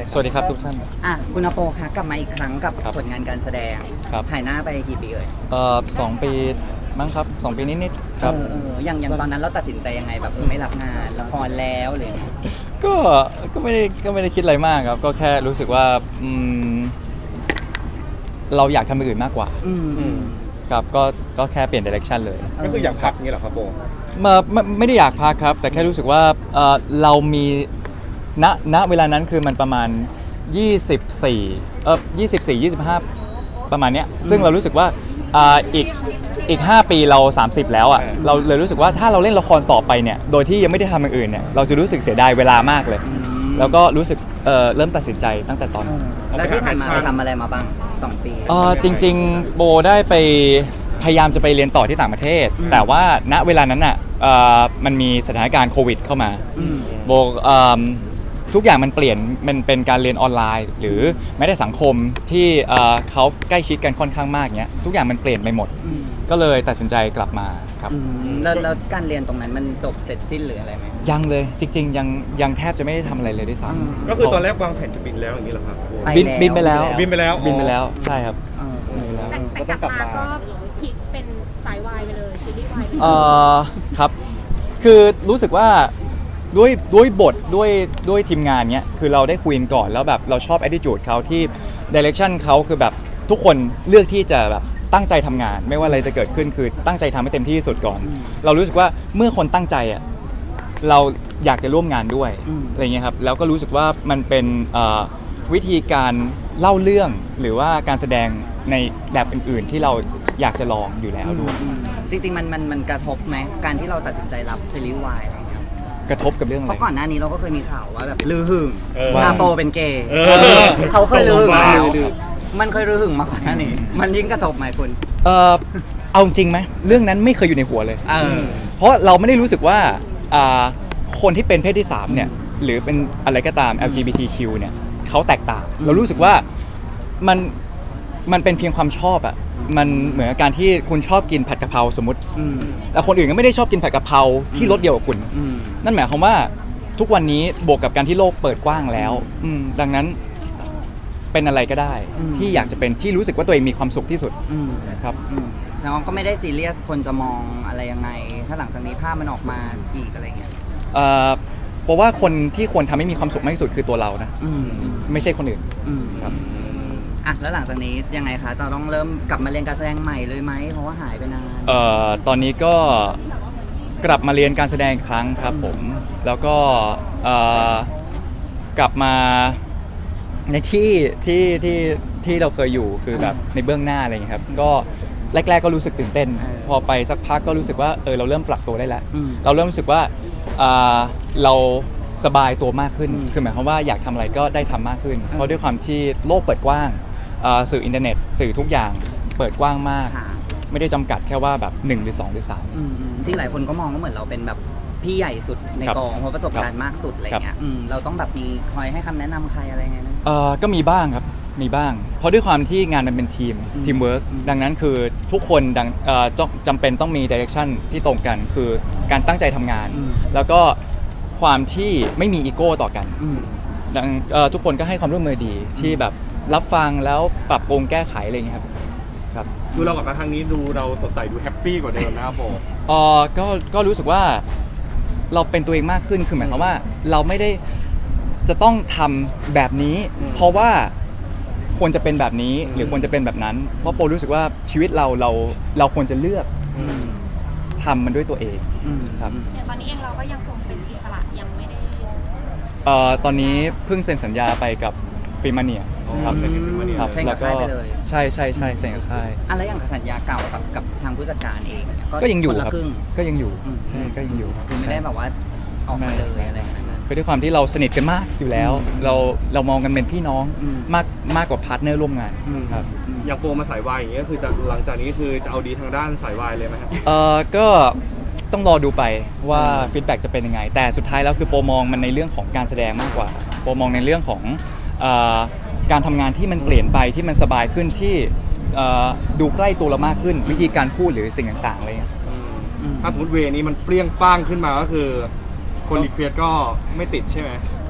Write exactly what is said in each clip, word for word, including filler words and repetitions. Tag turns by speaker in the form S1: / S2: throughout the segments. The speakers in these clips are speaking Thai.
S1: เลย
S2: สวัสดีครับทุกท่าน
S3: อ่ะคุณอโปคะกลับมาอีกครั้งกับ
S2: ครับ
S3: ผลงานการแสดง
S2: ครับ
S3: หายหน้าไปกี่ปีเอ่ย
S2: เอ่อสองปีมั้งครับสองปีนิดๆครับ
S3: เออเอออย่างอย่างตอนนั้นเราตัดสินใจยังไงแบบเออไม่รับงานละครแล้วหรือยังไง
S2: ก็ก็ไม่ได้ก็ไม่ได้คิดอะไรมากครับ ก็แค่รู้สึกว่าอืมเราอยากทำอย่างอื่นมากกว่า
S3: อืมอืม
S2: ครับก็ก็แค่เปลี่ยนดิเรกชันเลย
S1: ก็คืออยากพักอย่างนี้เหรอครับโบ
S2: มาไม่ไม่ได้อยากพักครับ แต่แค่รู้สึกว่าเอ่อเรามีณณเวลานั้นคือมันประมาณยี่สิบสี่เออยี่สิบสี่ ยี่สิบห้าประมาณเนี้ยซึ่งเรารู้สึกว่าอ่าอีกอีกห้าปีเราสามสิบแล้วอ่ะเราเลยรู้สึกว่าถ้าเราเล่นละครต่อไปเนี่ยโดยที่ยังไม่ได้ทำอย่างอื่นเนี่ยเราจะรู้สึกเสียดายเวลามากเลย แล้วก็รู้สึกเอ่อเริ่มตัดสินใจตั้งแต่ตอนนั้น
S3: แล้วที่ผ่านมาไปทำอะไรมาบ้างสองปี
S2: เออจริงๆโบได้ไปพยายามจะไปเรียนต่อที่ต่างประเทศ แต่ว่าณเวลานั้นอ่ะเอ่อมันมีสถานการณ์โควิดเข้ามา
S3: อืม
S2: โบเอิ่มทุกอย่างมันเปลี่ยนมันเป็นการเรียนออนไลน์ หรือแม้แต่สังคมที่เอ่อเขาใกล้ชิดกันค่อนข้างมากเนี้ยทุกอย่างมันเปลี่ยนไปหมด
S3: อืม
S2: ก็เลยตัดสินใจกลับมาครับ
S3: อืมแล้วแล้วการเรียนตรงนั้นมันจบเสร็จสิ้นหรืออะไรไหม
S2: ยังเลยจริงๆยังยังแทบจะไม่ได้ทำอะไรเลยด้วยซ้
S3: อืม
S2: ำ
S1: ก็คือตอนแรกวางแผนจะบินแล้วอย่างนี้เหรอครับโบ
S3: ไป
S2: บินบินไปแล้ว
S1: บินไปแล้ว
S2: บินไปแล้วใช่ครับ
S3: เออ
S2: บินไปแล้ว
S4: แต่แต่กลับมาก็พลิกเป็นสายวายไปเลยซีรีส์วายไปเลย
S2: เอ่อครับคือรู้สึกว่าด้วยด้วยบทด้วยด้วยทีมงานเนี้ยคือเราได้คุยกันก่อนแล้วแบบเราชอบ attitude เขาที่ direction เขาคือแบบทุกคนเลือกที่จะแบบตั้งใจทำงาน ไม่ว่าอะไรจะเกิดขึ้นคือตั้งใจทำให้เต็มที่ที่สุดก่อน เรารู้สึกว่าเมื่อคนตั้งใจอ่ะเราอยากจะร่วมงานด้วย
S3: อืม
S2: อะไรเงี้ยครับแล้วก็รู้สึกว่ามันเป็นเอ่อวิธีการเล่าเรื่องหรือว่าการแสดงในแบบอื่นๆ ที่เราอยากจะลองอยู่แล้วด้วย
S3: อืมจริงๆมันมันมันกระทบไหมการที่เราตัดสินใจรับซีรีส์วายอะไรเงี้ย
S2: กระทบกับเรื่องอะ
S3: เพ
S2: ไร
S3: ราะก่อนหน้านี้เราก็เคยมีข่าวว่าแบบลือหึง
S1: เออ
S3: นาโปเป็นเกย์
S1: เออ
S3: เขาเคยลือหึง
S1: ว้าว
S3: แล้วมันเคยลือหึงมาก่อนหน้านี้ มันยิ่งกระทบไหมคุณ
S2: เออเอาจริงไหมเรื่องนั้นไม่เคยอยู่ในหัวเลย
S3: เออ
S2: เพราะเราไม่ได้รู้สึกว่าอ่าคนที่เป็นเพศที่สามเนี่ยหรือเป็นอะไรก็ตาม แอล จี บี ที คิว เนี่ยเขาแตกต่าง เรารู้สึกว่ามันมันเป็นเพียงความชอบอะมันเหมือนกับการที่คุณชอบกินผัดกะเพราสมมติ
S3: อืม
S2: แต่คนอื่นก็ไม่ได้ชอบกินผัดกะเพราที่รสเดียวกับคุณ
S3: อืม
S2: นั่นหมายความว่าทุกวันนี้บวกกับการที่โลกเปิดกว้างแล้วอืมดังนั้นเป็นอะไรก็ได้
S3: อืม
S2: ที่อยากจะเป็นที่รู้สึกว่าตัวเองมีความสุขที่สุด
S3: อืม
S2: ครับ
S3: อืมแล้วก็ไม่ได้ซีเรียสคนจะมองอะไรยังไง ถ้าหลังจากนี้ภาพมันออกมาอีกอะไรเงี้ย
S2: เอ่อเพราะว่าคนที่ควรทำให้มีความสุขมากที่สุดคือตัวเรานะ
S3: อืม
S2: ไม่ใช่คนอื่น
S3: อืม
S2: ครับ
S3: อ่ะแล้วหลังจากนี้ยังไงคะเราต้องเริ่มกลับมาเรียนการแสดงใหม่เลยไหมเพราะว่าหายไปนาน
S2: เอ่อตอนนี้ก็กลับมาเรียนการแสดงอีกครั้งครับผม แล้วก็เอ่อกลับมาในที่ที่ที่ที่เราเคยอยู่คือแบบในเบื้องหน้าอะไรอย่างเงี้ยครับก็แรก ๆก็รู้สึกตื่นเต้น พอไปสักพักก็รู้สึกว่าเออเราเริ่มปรับตัวได้แล้ว
S3: อืม
S2: เราเริ่มรู้สึกว่าอ่าเราสบายตัวมากขึ้น
S3: อืม
S2: คือหมายความว่าอยากทำอะไรก็ได้ทำมากขึ้น เพราะด้วยความที่โลกเปิดกว้างอ่าสื่ออินเทอร์เน็ต สื่อทุกอย่างเปิดกว้างมาก
S3: ค่ะ
S2: ไม่ได้จำกัดแค่ว่าแบบหนึ่งหรือสองหรือสาม
S3: อืมอืมจริงหลายคนก็มองว่าเหมือนเราเป็นแบบพี่ใหญ่สุดใน
S2: ครับ
S3: กองเพราะประสบการณ์มากสุดอะไรเงี้
S2: ครั
S3: ย
S2: บ
S3: อืมเราต้องแบบมีคอยให้คำแนะนำใครอะไรเงี้ยนะ
S2: เอ่อก็มีบ้างครับมีบ้าง เพราะด้วยความที่งานมันเป็นทีม
S3: อืม
S2: ทีมเวิร์ก
S3: อืม
S2: ดังนั้นคือทุกคนดังเอ่อจจำเป็นต้องมีดิเรกชันที่ตรงกัน คือการตั้งใจทำงาน แล้วก็ความที่ไม่มีอีโก้ต่อกัน
S3: อืม
S2: ดังเอ่อทุกคนก็ให้ความร่วมมือดีที่แบบรับฟังแล้วปรับปรุงแก้ไขอะไรอย่างเงี้ยครับครับ
S1: ดูเรากลับมาครั้งนี้ดูเราสดใสดูแฮปปี้กว่าเดิมนะครับโบ
S2: เอ่อก็ก็รู้สึกว่าเราเป็นตัวเองมากขึ้นคือหมายความว่าเราไม่ได้จะต้องทำแบบนี้ เพราะว่าควรจะเป็นแบบนี้หรือควรจะเป็นแบบนั้น เพราะโปรู้สึกว่าชีวิตเราเราเราควรจะเลือก
S3: อืม
S2: ทำมันด้วยตัวเอง
S3: อืม
S2: ครับ
S4: อย่างตอนนี้เองเราก็ยังคงเป็นอิสระยังไม่ได้
S2: เอ่อตอนนี้เพิ่งเซ็นสัญญาไปกับฟิมาเนียครับ
S1: เซ็นกับ Filmania
S2: ครับ
S3: เซ็นกับค่ายไปเลย
S2: ใช่ใช่ใช่เซ็นกับค่าย
S3: อะไรอย่างสัญญาเก่ากับกับทางผู้จัดการเองเนี่ย
S2: ก็ยังอยู่
S3: คนละ
S2: ครับ
S3: ครึ่ง
S2: ก็ยังอยู่
S3: อืม
S2: ใช่ก็ยังอยู่
S3: คือไม่ได้แบบว่าออกมาเลยอะไรอย่างนั้นนะ
S2: คือด้วยความที่เราสนิทกันมากอยู่แล้ว เราเรามองกันเป็นพี่น้อง
S3: อืม
S2: มากมากกว่าพาร์ทเนอร์ร่วมงาน
S3: อืม
S2: ครับ
S1: อย่างโปรมาสายวายอย่างเงี้ยคือจะหลังจากนี้คือจะเอาดีทางด้านสายวายเลยไหมครับ
S2: เอ่อก็ต้องรอดูไปว่าฟีดแบ็กจะเป็นยังไง แต่สุดท้ายแล้วคือโปรมองมันในเรื่องของการแสดงมากกว่าโปรมองในเรื่องของเอ่อการทำงานที่มันเปลี่ยนไปที่มันสบายขึ้นที่เอ่อดูใกล้ตัวเรามากขึ้น วิธีการพูดหรือสิ่งต่างๆอะไรเงี้ย
S1: ถ้าสมมติเวนี้มันเปรี้ยงป้างขึ้นมาก็คือ คนรีเควสก็ไม่ติดใช่ไหม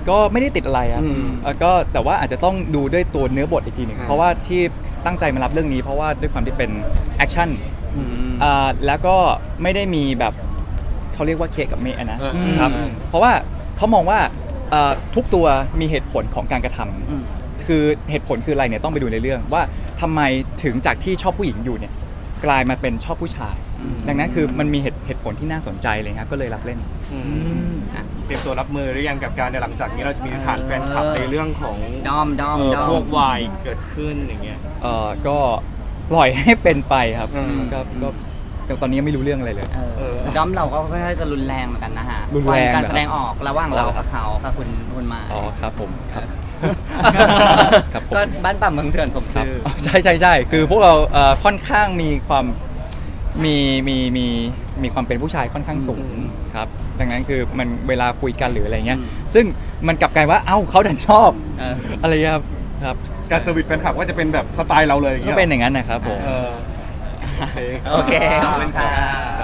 S2: ก็ไม่ได้ติดอะไรครับ
S1: อืม
S2: เอ่อก็แต่ว่าอาจจะต้องดูด้วยตัวเนื้อบทอีกทีหนึ่ง
S1: อ่า
S2: เพราะว่าที่ตั้งใจมารับเรื่องนี้ เพราะว่าด้วยความที่เป็นแอคชั่น
S1: อืม
S2: อ่าแล้วก็ไม่ได้มีแบบเขาเรียกว่าเคกับเมะนะ
S1: อืม
S2: ครับเพราะว่าเขามองว่าเอ่อทุกตัวมีเหตุผลของการกระทำ
S3: อืม
S2: คือเหตุผลคืออะไรเนี่ยต้องไปดูในเรื่องว่าทำไมถึงจากที่ชอบผู้หญิงอยู่เนี่ยกลายมาเป็นชอบผู้ชาย
S3: อืม
S2: ดังนั้นคือมันมีเหตุเหตุผลที่น่าสนใจเลยครับก็เลยรับเล่น
S1: อืมเตรียมตัวรับมือหรือยังกับการในหลังจากนี้เราจะมีฐานแฟนคลับ
S3: เออ
S1: ในเรื่องของ
S3: ดอมดอม
S1: เอ่อ
S3: ดอม
S1: พวกวายเกิดขึ้นอย่างเงี้ย
S2: เอ่อก็ปล่อยให้เป็นไปครับ
S1: อืม
S2: ก็ก็แต่ตอนนี้ยังไม่รู้เรื่องอะไรเลย
S3: เออ
S1: เออ
S3: แต่ดอมเราก็ค่อนข้างจะรุนแรงเหมือนกันนะฮะ
S2: รุนแรง
S3: การ
S2: เหรอ
S3: แสดงออกระหว่างเรากับเขากับคุณคุณมา
S2: อ๋อครับผมครับครับผม
S3: ก็บ้านป่าเมืองเถื่อนสม
S2: ครับ
S3: ชื่อ
S2: อ๋อใช่ใช่ใช่คือพวกเราเอ่อค่อนข้างมีความมีมีมีมีความเป็นผู้ชายค่อนข้างสูง
S1: อืม
S2: ครับดังนั้นคือมันเวลาคุยกันหรืออะไรเงี้ย
S3: อืม
S2: ซึ่งมันกลับกลายว่าเอ้าเขาดันชอบ
S3: เออ
S2: อะไรเงี้ยครับครับ
S1: การเซอร์วิสแฟนคลับก็จะเป็นแบบสไตล์เราเลยอย่าง
S2: ก็
S1: เงี้ย
S2: เป็นอย่างนั้นนะครับผม
S1: เออ
S3: โอเค ขอบคุณค่ะ